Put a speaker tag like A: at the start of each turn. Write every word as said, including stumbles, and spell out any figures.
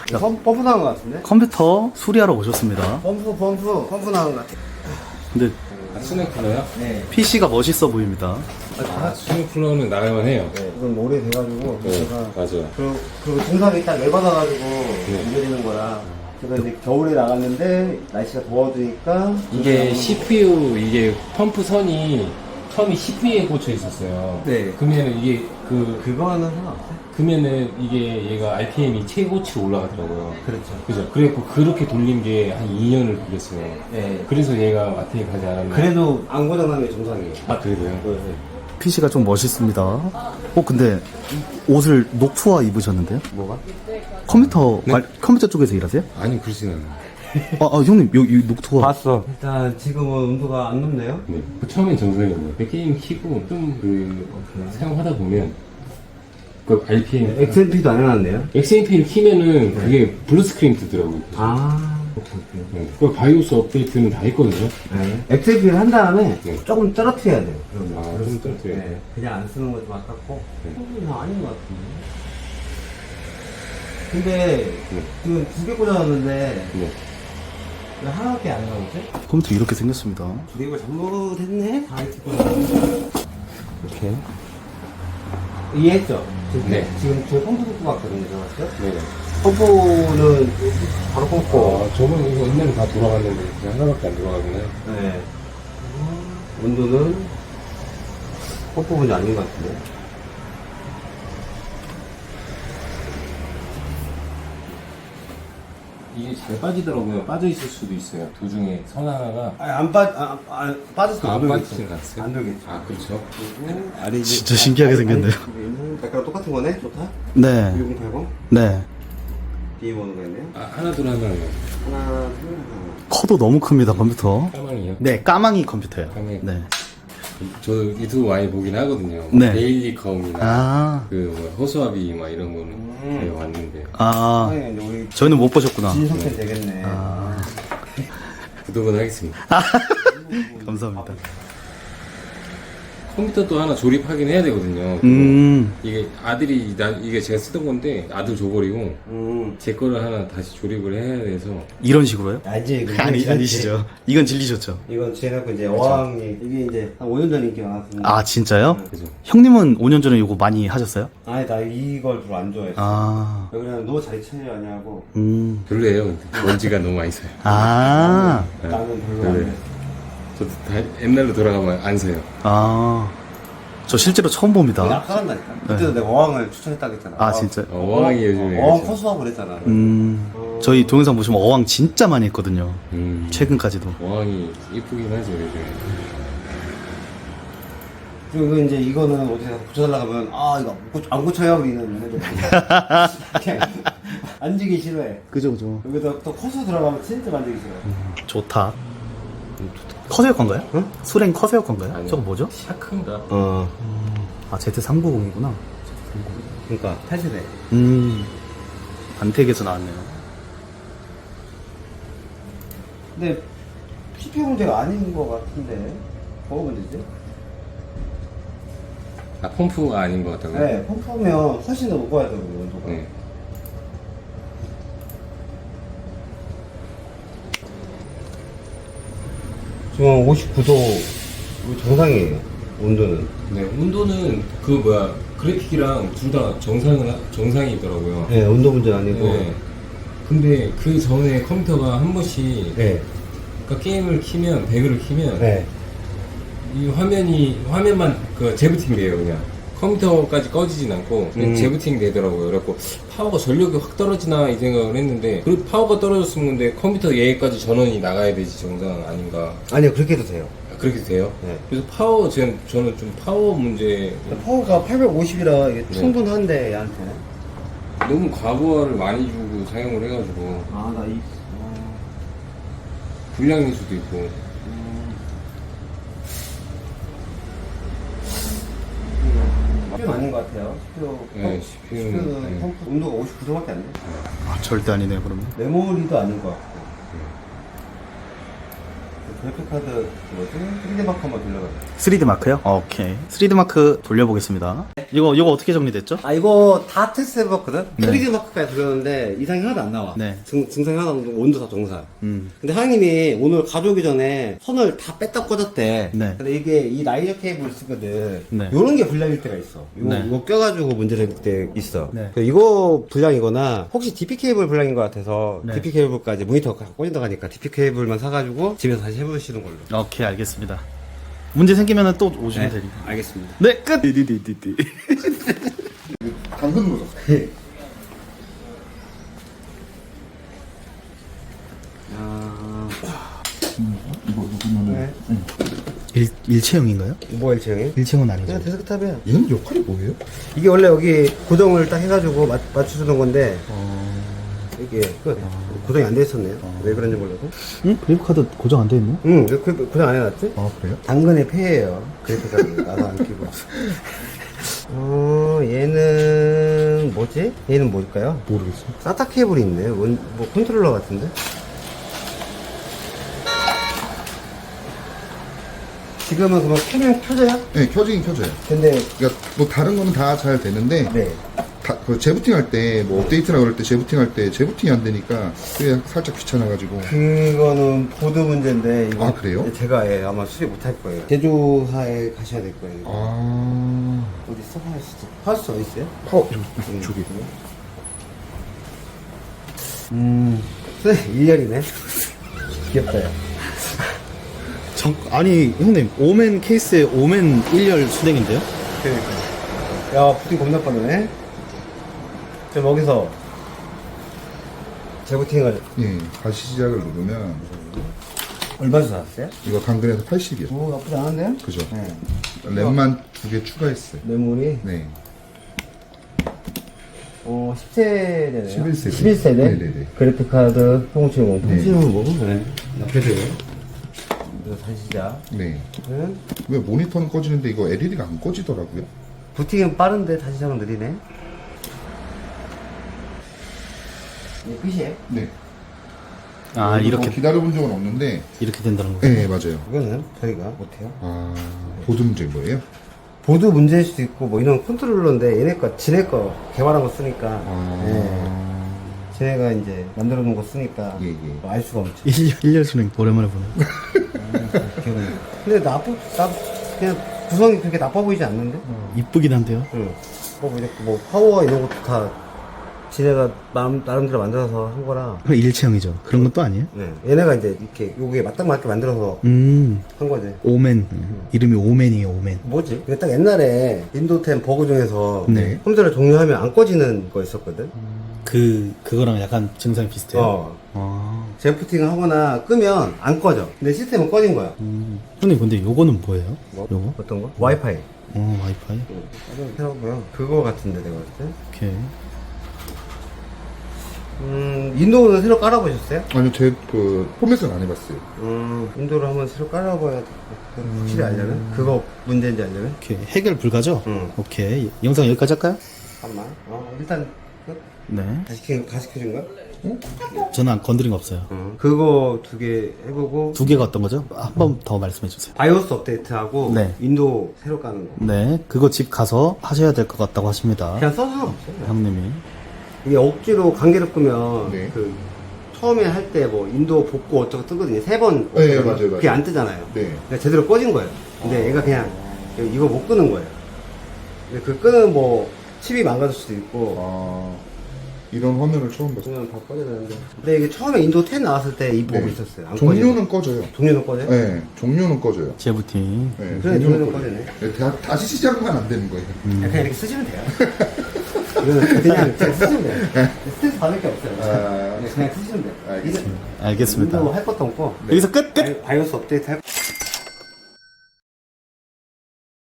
A: 야, 펌, 펌프 나온 것 같은데?
B: 컴퓨터 수리하러 오셨습니다.
A: 펌프 펌프 펌프 나온 것 같아.
B: 근데
C: 아, 수냉 쿨러요?
A: 네.
B: 피씨가 멋있어 보입니다.
C: 아, 수냉 쿨러는 나갈만 해요.
A: 네. 이건 오래돼가지고
C: 네,
A: 제가
C: 맞아요.
A: 그리고, 그리고 동상이 딱 열받아가지고 문제되는 거라 제가 이제 겨울에 나갔는데 날씨가 더워지니까
C: 이게 씨피유, 이게 펌프 선이 처음에 씨피유에 꽂혀 있었어요.
A: 네.
C: 그러면은 이게 그,
A: 그거는 상관없어요.
C: 그러면은 이게 얘가 알피엠이 최고치로 올라가더라고요.
A: 그렇죠.
C: 그죠? 그래갖고 그렇게 돌린 게 한 이 년을 걸렸어요.
A: 네.
C: 그래서 얘가 마트에 가지 않았나.
A: 그래도 안 고장난 게 정상이에요.
C: 아, 그래도요?
A: 네.
B: 피씨가 좀 멋있습니다. 어 근데 옷을 녹투화 입으셨는데요?
A: 뭐가?
B: 컴퓨터
C: 네?
B: 관- 컴퓨터 쪽에서 일하세요?
C: 아니, 그러진 않아요.
B: 아, 아 형님 여기 녹투화.
A: 봤어. 일단 지금은 온도가 안 높네요.
C: 네. 그 처음엔 정상이었네요. 게임 키고 좀 그, 사용하다 보면 그 알피엠.
A: 엑스엠피도 안 해놨네요.
C: 엑스엠피를 키면은 그게 블루 스크린 뜨더라고요.
A: 아.
C: 네. 그 바이오스 업데이트는 다 했거든요.
A: 네. 엑스엠피를 한 다음에
C: 네.
A: 조금 떨어뜨려야 돼요. 그러면.
C: 아, 좀 떨어뜨려야 돼요?
A: 네. 그냥 안 쓰는 거 좀 아깝고.
C: 네.
A: 어, 아닌 것 같은데. 근데
C: 네.
A: 지금 두 개 꽂아놨는데
C: 네.
A: 왜 하나밖에 안 나오지?
B: 컴퓨터 이렇게 생겼습니다.
A: 이걸 잘못했네? 다 이렇게 꽂아놨네.
C: 이렇게.
A: 이해했죠? 지금,
C: 네.
A: 지금 저 펌프 꽂고 갔거든요, 제가 봤을 때.
C: 네네.
A: 펌프는 바로 꽂고.
C: 아, 저번 이거 옛날에 다 돌아갔는데 그냥 하나밖에 안 돌아가구나.
A: 네. 온도는 펌프 문제 아닌 것 같은데.
C: 이게 잘 빠지더라고요. 빠져 있을 수도 있어요. 도중에 선 하나가.
A: 아니, 안 빠, 아, 아, 빠졌어.
C: 안
A: 안 돌겠지.
C: 빠지진 않았어요?
A: 안 돌겠지.
C: 아, 그렇죠.
A: 그리고 아래 이제-
B: 진짜 신기하게
A: 아니,
B: 생겼네요.
A: 아니, 있는 색깔 똑같은 거네? 좋다?
B: 네.
A: 이공팔공?
B: 네.
A: 비번호가 있네요.
C: 아, 하나 둘 하나
A: 하나, 둘, 하나.
B: 커도 너무 큽니다 컴퓨터.
C: 까망이요?
B: 네 까망이 컴퓨터예요.
C: 까망이.
B: 네.
C: 저 유튜브 많이 보긴 하거든요.
B: 네.
C: 데일리 컴이나
B: 아.
C: 그 뭐, 허수아비 막 이런 거는
A: 음.
C: 제가 봤는데
B: 아
A: 아니, 이제 우리
B: 저희는 못 보셨구나.
A: 진석태 되겠네.
B: 아
C: 구독은 하겠습니다.
B: 감사합니다.
C: 컴퓨터도 하나 조립하긴 해야 되거든요.
B: 음.
C: 이게 아들이 나 이게 제가 쓰던 건데 아들 줘버리고
A: 음.
C: 제 거를 하나 다시 조립을 해야 돼서
B: 이런 식으로요?
A: 아니지. 그건
B: 아니
A: 진짜-
B: 아니시죠. 이건 질리셨죠.
A: 이건 제가 이제 어항이, 이게 이제 한 오 년 전 인기 많았습니다.
B: 아 진짜요?
C: 그죠.
B: 형님은 오 년 전에 이거 많이 하셨어요?
A: 아니, 나 이걸 별로 안 좋아했어.
B: 아.
A: 그냥 너 자리 차려하냐고.
B: 음.
C: 별로예요. 근데 먼지가 너무 많이 사요.
B: 아.
C: 네.
A: 나는 별로
C: 별로예요.
A: 안 좋아했어.
C: 저도 다 옛날로 돌아가면 안 사요.
B: 아. 저 실제로 처음 봅니다.
A: 낙하한다니까. 그때도 내가 어항을 추천했다고 했잖아.
B: 아 진짜.
C: 어, 어항이 요즘에
A: 어항
C: 그렇죠.
A: 커수하고 그랬잖아.
B: 음. 저희 동영상 보시면 어항 진짜 많이 했거든요.
C: 음,
B: 최근까지도.
C: 어항이 이쁘긴 하죠 요즘에.
A: 그리고 이제 이거는 어디 가서 고쳐달라고 하면, 아, 이거 안, 고쳐, 안 고쳐요, 우리는. 해도 그냥 앉기 싫어해.
B: 그죠 그죠.
A: 여기다 또 커서 들어가면 진짜 만지기 싫어.
B: 좋다. 커세어 건가요?
A: 응?
B: 수랭 커세어 건가요?
C: 아니요.
B: 저거 뭐죠?
C: 샤크인가?
A: 어.
B: 아 제트 삼백구십이구나.
A: 그러니까, 팔 세대.
B: 음. 안택에서 나왔네요.
A: 근데, 씨피유 문제가 아닌 것 같은데. 뭐가 문제지?
C: 아 펌프가 아닌 것 같다고요?
A: 네, 펌프면 훨씬 더 높아야 되거든요, 온도가.
C: 네.
A: 지금 오십구 도 정상이에요, 온도는.
C: 네, 온도는 그 뭐야 그래픽이랑 둘 다 정상은 정상이더라고요.
A: 네, 온도 문제 아니고.
C: 네. 근데 그 전에 컴퓨터가 한 번씩
A: 네.
C: 그러니까 게임을 키면 배그를 키면
A: 네.
C: 이 화면이 화면만 그 재부팅 돼요 그냥 컴퓨터까지 꺼지진 않고 그냥
A: 음.
C: 재부팅 되더라고요. 그래갖고 파워가 전력이 확 떨어지나 이 생각을 했는데 그 파워가 떨어졌으면 근데 컴퓨터 얘까지 전원이 나가야 되지 정상 아닌가.
A: 아니요, 그렇게 해도 돼요.
C: 아, 그렇게 돼요?
A: 네.
C: 그래서 파워 저는 저는 좀 파워 문제
A: 파워가 팔백오십이라 이게
C: 네.
A: 충분한데, 얘한테는.
C: 너무 과부하를 많이 주고 사용을 해가지고
A: 아, 나 이,
C: 불량일 수도 있고.
A: 씨피유는 아닌 것 같아요. 씨피유.
C: 네, 씨피유는,
A: 씨피유는
C: 네.
A: 펌프 온도가 오십구 도밖에 안 돼.
B: 아 절대 아니네요 그러면.
A: 메모리도 아닌 것 같고. 그래픽카드 뭐지? 쓰리디 마크 한번 돌려봐.
B: 쓰리디 마크요? 오케이. 쓰리디 마크 돌려보겠습니다. 이거 이거 어떻게 정리됐죠?
A: 아 이거 다 테스트 해봤거든?
B: 네.
A: 쓰리디 마크까지 돌렸는데 이상이 하나도 안 나와.
B: 네.
A: 증, 증상이 하나도 안 나고 온도 다 정상.
B: 음.
A: 근데 하영님이 오늘 가져오기 전에 선을 다 뺐다 꽂았대.
B: 네.
A: 근데 이게 이 라이저 케이블을 쓰거든.
B: 네.
A: 요런 게 불량일 때가 있어. 이거,
B: 네.
A: 이거 껴가지고 문제될 때 있어.
B: 네.
A: 그래서 이거 불량이거나 혹시 디피 케이블 불량인 것 같아서
B: 네.
A: 디피 케이블까지 모니터 꽂는다 가니까 디피 케이블만 사가지고 집에서 다시 해보시는 걸로.
B: 오케이, 알겠습니다. 문제 생기면 또 오시면 되니까.
A: 알겠습니다.
B: 네, 끝! 디디디디디.
D: 당근 물어.
A: 아...
D: 이거 누구면은
A: 네.
B: 일, 일체형인가요?
A: 뭐야 일체형이?
B: 일체형은 아니죠.
A: 그냥 데스크탑이야.
D: 얘는 역할이 뭐예요?
A: 이게 원래 여기 고정을 딱 해가지고 맞, 맞춰주는 건데
B: 어...
A: 이게 끝. 고정이 안 돼 있었네요. 왜 그런지 몰라도.
B: 응? 그래픽카드 고정 안 돼 있네?
A: 응, 왜 그, 고정 안 해놨지?
D: 아 그래요?
A: 당근의 폐예요. 그래픽카드 나도 안 끼고. 어, 얘는 뭐지? 얘는 뭘까요?
B: 모르겠어.
A: 사타 케이블이 있네. 원, 뭐 컨트롤러 같은데? 지금은 그만 켜면 켜져요?
D: 네 켜지긴 켜져요.
A: 근데
D: 그러니까 뭐 다른 거는 다 잘 되는데
A: 네.
D: 다, 그 재부팅 할 때 뭐 업데이트나 그럴 때 재부팅 할 때 재부팅이 안 되니까 그게 살짝 귀찮아가지고.
A: 그거는 보드 문제인데 이거
D: 아, 그래요?
A: 제가 예, 아마 수리 못 할 거예요. 제조사에 가셔야 될 거예요.
D: 아
A: 어디 있어? 하우스. 하우스 어디 있어요?
D: 파워 저,
A: 음.
D: 저기.
A: 음, 일 년이네. 귀엽다, 야.
B: 정, 아니, 형님, 오멘 케이스에 오멘 일 열 수냉인데요?
A: 그러니까. 야, 부팅 겁나 빠르네. 지금 여기서 재부팅을
D: 예 다시 시작을 누르면
A: 얼마 주고 샀어요?
D: 이거 당근에서 팔십이요.
A: 오, 나쁘지 않은데요?
D: 그죠?
A: 네.
D: 램만 두 개 추가했어요.
A: 메모리,
D: 네.
A: 어, 십 세대네요.
D: 십일 세대.
A: 십일 세대?
D: 네네네.
A: 그래픽카드, 통치용.
D: 네.
A: 통치용은 뭐고? 네. 나쁘죠. 이거 다시 시작.
D: 네.
A: 응?
D: 왜 모니터는 꺼지는데 이거 엘이디가 안 꺼지더라고요?
A: 부팅은 빠른데 다시 시작은 느리네. 네, 끝이에요?
D: 네.
B: 아, 이렇게,
D: 뭐 기다려본 적은 없는데.
B: 이렇게 된다는 거.
D: 네 맞아요.
A: 이거는 저희가 못해요.
D: 아 보드 문제인 거예요?
A: 보드 문제일 수도 있고 뭐 이런 컨트롤러인데 얘네 거 지네 거 개발한 거 쓰니까
D: 아.
A: 네. 지네가 이제 만들어 놓은 거 쓰니까
D: 예, 예.
A: 뭐알 수가 없지.
B: 일 열, 일 열 수냉 오랜만에 보네.
A: 기억이 나. 근데 나쁘 나 그냥 구성이 그렇게 나빠 보이지 않는데?
B: 이쁘긴 한데요?
A: 응. 뭐 이렇게 뭐 파워 이런 것도 다 지네가 마음 나름대로 만들어서 한 거라.
B: 그럼 일체형이죠. 그런 건 또 아니에요?
A: 네. 얘네가 이제 이렇게 요게 맞닥맞게 만들어서
B: 음,
A: 한 거지.
B: 오멘. 이름이 오멘이에요, 오멘.
A: 뭐지? 이게 딱 옛날에 윈도우 텐 버그 중에서
B: 네.
A: 컴퓨터를 종료하면 안 꺼지는 거 있었거든.
B: 그, 그거랑 약간 증상이 비슷해요?
A: 어.
B: 아.
A: 재부팅을 하거나 끄면 안 꺼져. 근데 시스템은 꺼진 거야.
B: 음. 형님, 근데 요거는 뭐예요?
A: 뭐?
B: 요거?
A: 어떤 거? 와이파이.
B: 어, 와이파이?
A: 응. 해보고요. 그거 같은데 내가 봤을 때.
B: 오케이.
A: 음, 윈도우는 새로 깔아보셨어요?
D: 아니요 제 그 포맷은 안 해봤어요.
A: 음, 윈도우를 한번 새로 깔아봐야 돼. 확실히 알려면? 그거 문제인지 알려면?
B: 오케이. 해결 불가죠?
A: 응.
B: 오케이. 영상 여기까지 할까요?
A: 잠깐만. 어, 일단 끝.
B: 네.
A: 다시 켜, 다시 켜준 거야?
B: 저는 안 건드린 거 없어요.
A: 응. 그거 두 개 해보고.
B: 두 개가 어떤 거죠? 한 번 더 말씀해 주세요.
A: 바이오스 업데이트하고.
B: 네.
A: 윈도우 새로 까는 거.
B: 네. 그거 집 가서 하셔야 될 것 같다고 하십니다.
A: 그냥 써서 상관없어요.
B: 형님이.
A: 이게 억지로 관계를 끄면
D: 네.
A: 그 처음에 할 때 뭐 인도 복구 어쩌고 뜨거든요. 세 번.
D: 네, 맞아요, 맞아요.
A: 그게 안 뜨잖아요.
D: 네.
A: 그러니까 제대로 꺼진 거예요. 근데 얘가 그냥 이거 못 끄는 거예요. 근데 그 끄는 뭐 칩이 망가질 수도 있고.
D: 아 이런 화면을 처음 봤어요.
A: 그러면 다 꺼져야 되는데. 근데 이게 처음에 인도 텐 나왔을 때 이 버그
D: 네.
A: 있었어요. 안
D: 종료는
A: 꺼지고.
D: 꺼져요.
A: 종료는 꺼져요?
D: 네, 종료는 꺼져요.
B: 재부팅.
D: 네,
A: 그래, 종료는 꺼지네.
D: 네, 다, 다시 시작만 안 되는 거예요.
A: 그냥 이렇게 쓰시면 돼요. 이거는 그냥, 그냥 쓰시면 돼요. 스트레스 받을 게 없어요.
D: 아.
A: 네, 그냥 쓰시면 돼요.
D: 알겠습니다.
B: 알겠습니다.
A: 인도 할 것도 없고.
B: 여기서 끝! 끝!
A: 바이오스 업데이트 할